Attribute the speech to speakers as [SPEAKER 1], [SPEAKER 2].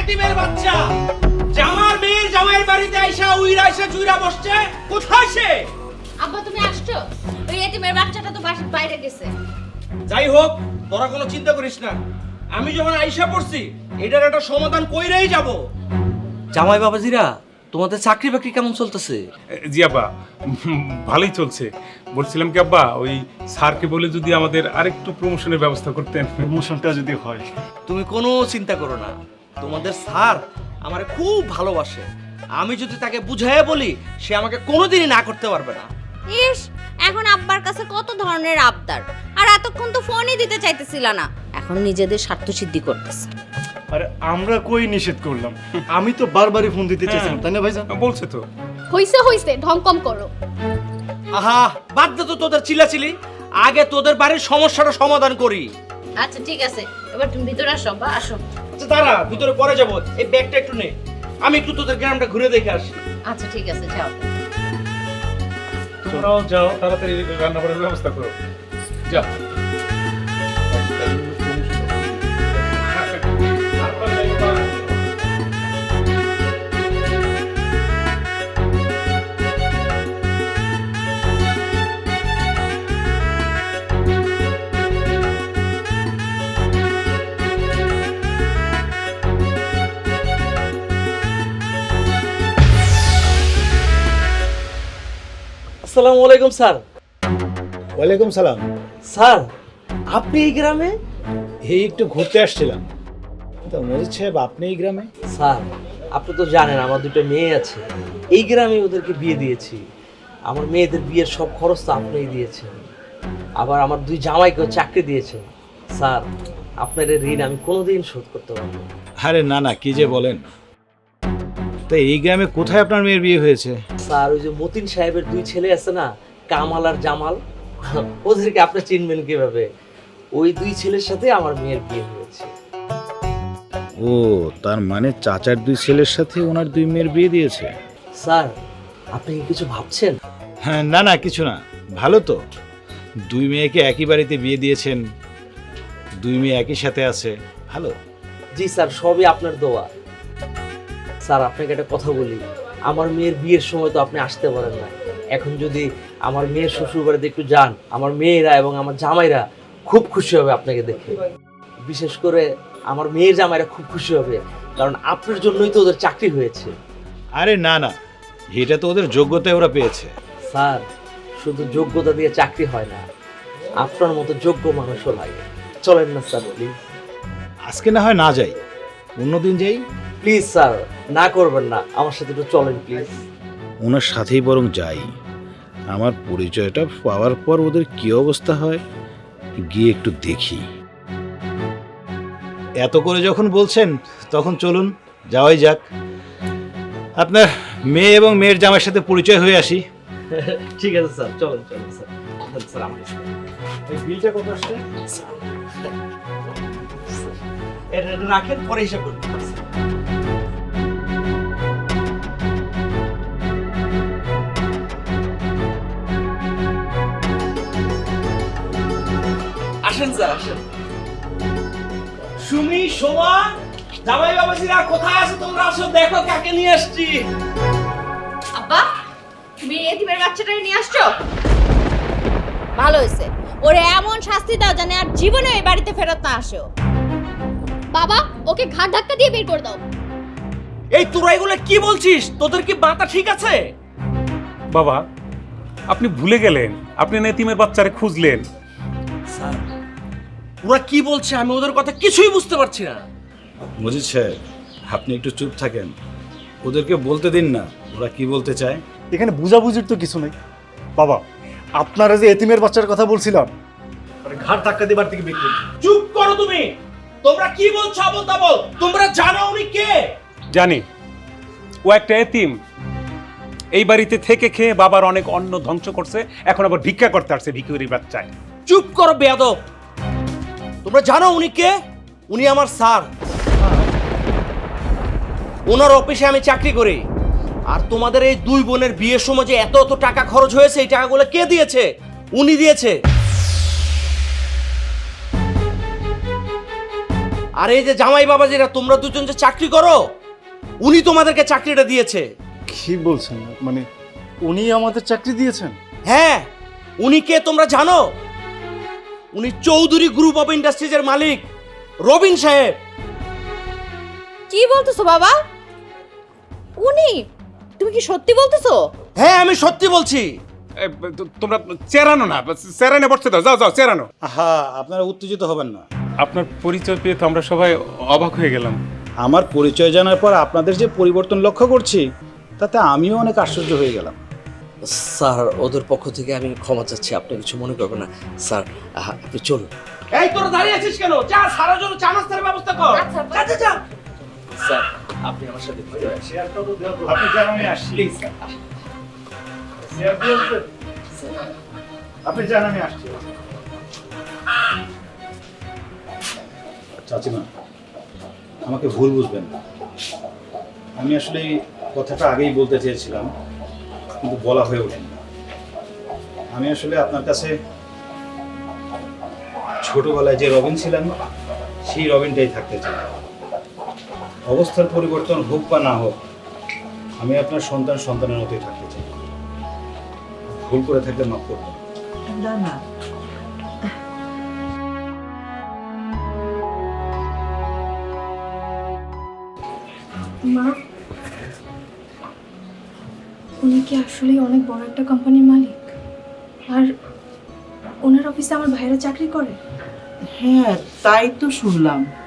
[SPEAKER 1] এতিমের বাচ্চা জামার মেয়ের জামাইয়ের বাড়িতে আইসা উইরা আইসা চুইরা বসছে, কোথায় সে?
[SPEAKER 2] আব্বা তুমি আসছো? ওই এতিমের বাচ্চাটা তো বাসার বাইরে গেছে।
[SPEAKER 1] যাই হোক, তোরা কোনো চিন্তা করিস না, আমি যখন আইসা পড়ছি এটার একটা সমাধান কইরেই যাব। জামাই বাবাজিরা, তোমাদের চাকরি বাকরি কেমন চলতেছে?
[SPEAKER 3] জি আব্বা, ভালোই চলছে। বলছিলাম কি আব্বা, ওই স্যারকে বলে যদি আমাদের আরেকটু প্রমোশনের ব্যবস্থা করতেন।
[SPEAKER 4] প্রমোশনটা যদি হয়।
[SPEAKER 1] তুমি কোনো চিন্তা করো না, তোমাদের স্যার আমারে খুব ভালোবাসে। আমি যদি তাকে বুঝাইয়া বলি, সে আমাকে কোনোদিনই না করতে পারবে না।
[SPEAKER 2] ইস, এখন আব্বার কাছে কত ধরনের আবদার, আর এতক্ষণ তো ফোনই দিতে চাইতেছিল না, এখন নিজেদের স্বার্থ সিদ্ধি করতেছে।
[SPEAKER 4] আরে আমরা কই নিষেধ করলাম? আমি তো বারবারই ফোন দিতে চাইছিলাম, তাই না ভাইজান?
[SPEAKER 3] বলছে তো।
[SPEAKER 5] হইছে ঢং কম করো।
[SPEAKER 1] আহা, বাদ দে তো তোদের চিল্লাচিল্লি, আগে তোদের বাড়ির সমস্যাটা সমাধান করি।
[SPEAKER 2] আচ্ছা ঠিক আছে, এবার তুমি ভিতরে আসো বা আসো।
[SPEAKER 1] আচ্ছা দাঁড়া, ভিতরে পরে যাবো, এই ব্যাগটা একটু নে, আমি একটু তোদের গ্রামটা ঘুরে দেখে আসি।
[SPEAKER 2] আচ্ছা ঠিক আছে, যাও।
[SPEAKER 3] তোমরাও যাও, তাড়াতাড়ি রান্না করার ব্যবস্থা করো। যাও।
[SPEAKER 1] আসসালামু আলাইকুম স্যার।
[SPEAKER 6] ওয়ালাইকুম সালাম।
[SPEAKER 1] স্যার, আপনি এই গ্রামে?
[SPEAKER 6] এই একটু ঘুরতে আসছিলাম। তো মজিদ সাহেব, আপনি এই গ্রামে?
[SPEAKER 1] স্যার, আপনি তো জানেন আমার দুটো মেয়ে আছে, এই গ্রামে ওদেরকে বিয়ে দিয়েছি। আমার মেয়েদের বিয়ের সব খরচ তো আপনিই দিয়েছেন, আবার আমার দুই জামাইকেও চাকরি দিয়েছেন। স্যার, আপনার এই ঋণ আমি কোনোদিন শোধ করতে পারবো না।
[SPEAKER 6] আরে না না, কি যে বলেন। তো এই গ্রামে কোথায় আপনার মেয়ের বিয়ে হয়েছে?
[SPEAKER 1] স্যার, ওই যে মতিন সাহেবের দুই ছেলে আছে না, কামাল আর জামাল, ওদেরকে আপনি চিনবেন কিভাবে? ওই দুই ছেলের সাথে আমার মেয়ের বিয়ে হয়েছে।
[SPEAKER 6] ও, তার মানে চাচার দুই ছেলের সাথে ওনার দুই মেয়ের বিয়ে দিয়েছে?
[SPEAKER 1] স্যার, আপনি কি কিছু ভাবছেন?
[SPEAKER 6] হ্যাঁ, না না, কিছু না। ভালো তো, দুই মেয়েকে একই বাড়িতে বিয়ে দিয়েছেন, দুই মেয়ে একই সাথে আছে, ভালো।
[SPEAKER 1] জি স্যার, সবই আপনার দোয়া। স্যার, আপনাকে একটা কথা বলি, আমার মেয়ের বিয়ের সময় তো আপনি আসতে পারেন না, এখন যদি আমার মেয়ের শ্বশুর বাড়িতে একটু যান, আমার মেয়েরা এবং আমার জামাইরা খুব খুশি হবে আপনাকে দেখে। বিশেষ করে আমার মেয়ের জামাইরা খুব খুশি হবে, কারণ আপনার জন্যই তো ওদের চাকরি হয়েছে।
[SPEAKER 6] আরে না না, এটা তো ওদের যোগ্যতায় ওরা পেয়েছে।
[SPEAKER 1] স্যার, শুধু যোগ্যতা দিয়ে চাকরি হয় না, আপনার মতো যোগ্য মানুষও লাগে। চলেন না স্যার, প্লিজ।
[SPEAKER 6] আজকে না হয় না যাই, অন্যদিন যাই।
[SPEAKER 1] প্লিজ স্যার, না করবেন না, আমার সাথে একটু চলেন প্লিজ।
[SPEAKER 6] ওনার সাথেই বরং যাই। আমার পরিচয়টা পাওয়ার পর ওদের কি অবস্থা হয়, গিয়ে একটু দেখি। এত করে যখন বলছেন, তখন চলুন, যাওয়াই যাক। আপনার মেয়ে এবং মেয়ের জামাইয়ের সাথে পরিচয় হয়ে আসি।
[SPEAKER 1] ঠিক আছে স্যার, চলেন চলেন স্যার। স্যার, আমার
[SPEAKER 6] এই বিলটা কত আসছে?
[SPEAKER 1] এটা রাখেন, পরে হিসাব করুন। আসেন স্যার, আসেন। সুমি, শোভা, জামাই বাবাজিরা কোথায় আছো তোমরা? আসো, দেখো কাকে নিয়ে আসছি।
[SPEAKER 2] আব্বা, তুমি এতিমের বাচ্চাটাকে নিয়ে আসছো? ভালো হয়েছে, ওরে এমন শাস্তি দাও জানে আর জীবনে এই বাড়িতে ফেরত না আসো।
[SPEAKER 5] বাবা, ওকে ঘাট ধাক্কা দিয়ে বের করে দাও।
[SPEAKER 1] এই তোরা এগুলো কি বলছিস? তোদের কি মাথা ঠিক আছে?
[SPEAKER 3] বাবা, আপনি ভুলে গেলেন, আপনি এতিমের বাচ্চারে খুঁজলেন।
[SPEAKER 1] স্যার, ওরা কি বলছে আমি ওদের কথা কিছুই বুঝতে পারছি না।
[SPEAKER 6] মজিদ সাহেব, আপনি একটু চুপ থাকেন, ওদেরকে বলতে দিন না ওরা কি বলতে চায়।
[SPEAKER 4] এখানে বুঝাবুঝির তো কিছু নেই। বাবা, আপনারা যে এতিমের বাচ্চার কথা বলছিলাম, ঘাট ধাক্কা দেবার থেকে বের করুন।
[SPEAKER 1] চুপ করো তুমি। তোমরা কি বলছো আবল তাবল? তোমরা জানো উনি কে?
[SPEAKER 3] জানি, ও একটা এতিম, এই বাড়িতে থেকে খেয়ে বাবার অনেক অন্ন ধ্বংস করছে, এখন আবার ভিক্ষা করতে আসছে ভিখারির বাচ্চায়।
[SPEAKER 1] চুপ করো বেয়াদব। তোমরা জানো উনি কে? উনি আমার স্যার, ওনার অফিসে আমি চাকরি করি। আর তোমাদের এই দুই বোনের বিয়ের সময় যে এত এত টাকা খরচ হয়েছে, এই টাকাগুলো কে দিয়েছে? উনি দিয়েছে। আর এই যে জামাই বাবা যেটা তোমরা দুজন যে চাকরি করো, উনি তোমাদেরকে চাকরিটা দিয়েছে।
[SPEAKER 4] কি বলছেন? মানে উনি আমাদের চাকরি দিয়েছেন?
[SPEAKER 1] হ্যাঁ, উনি কে তোমরা জানো? উনি চৌধুরী গ্রুপ অফ ইন্ডাস্ট্রিজের মালিক রবিন সাহেব।
[SPEAKER 2] কি বলতেছো বাবা? উনি? তুমি কি সত্যি বলতেছো?
[SPEAKER 1] হ্যাঁ, আমি সত্যি বলছি।
[SPEAKER 3] তোমরা চেরানো না, চেরানো বসতে দাও, যাও যাও চেরানো।
[SPEAKER 6] আহা, আপনারা উত্তেজিত হবেন না।
[SPEAKER 3] আপনার পরিচয় পেয়ে তো আমরা সবাই অবাক হয়ে গেলাম।
[SPEAKER 6] আমার পরিচয় জানার পর আপনাদের যে পরিবর্তন লক্ষ্য করছি, তাতে আমিও অনেক আশ্চর্য হয়ে গেলাম।
[SPEAKER 1] স্যার, ওদের পক্ষ থেকে আমি ক্ষমা চাচ্ছি, আপনি কিছু মনে করবেন না। স্যার, আপনি চলুন। এই তোরা দাঁড়িয়ে আছিস কেন? যা, সারার জন্য চা নাস্তার ব্যবস্থা কর।
[SPEAKER 2] আচ্ছা,
[SPEAKER 1] যা যা যা। স্যার, আপনি আমার সাথে ঘুরে আসেন।
[SPEAKER 6] আপনি জান আমি আসছি। আপনি জান আমি আসছি। চাচিমা, আমাকে ভুল বুঝবেন না। আমি আসলে এই কথাটা আগেই বলতে চেয়েছিলাম, কিন্তু বলা হয়ে ওঠেনি। আমি আসলে আপনার কাছে ছোটবেলায় যে রবিন ছিলেন, সেই রবিনটাই থাকতে চাই। অবস্থার পরিবর্তন হোক বা না হোক, আমি আপনার সন্তানের মতোই থাকতে চাই। ভুল করে থাকলে মাফ করবেন।
[SPEAKER 7] না না,
[SPEAKER 8] মা, উনি কি আসলেই অনেক বড় একটা কোম্পানির মালিক? আর ওনার অফিসে আমার ভাইরা চাকরি করে?
[SPEAKER 7] হ্যাঁ তাই তো শুনলাম।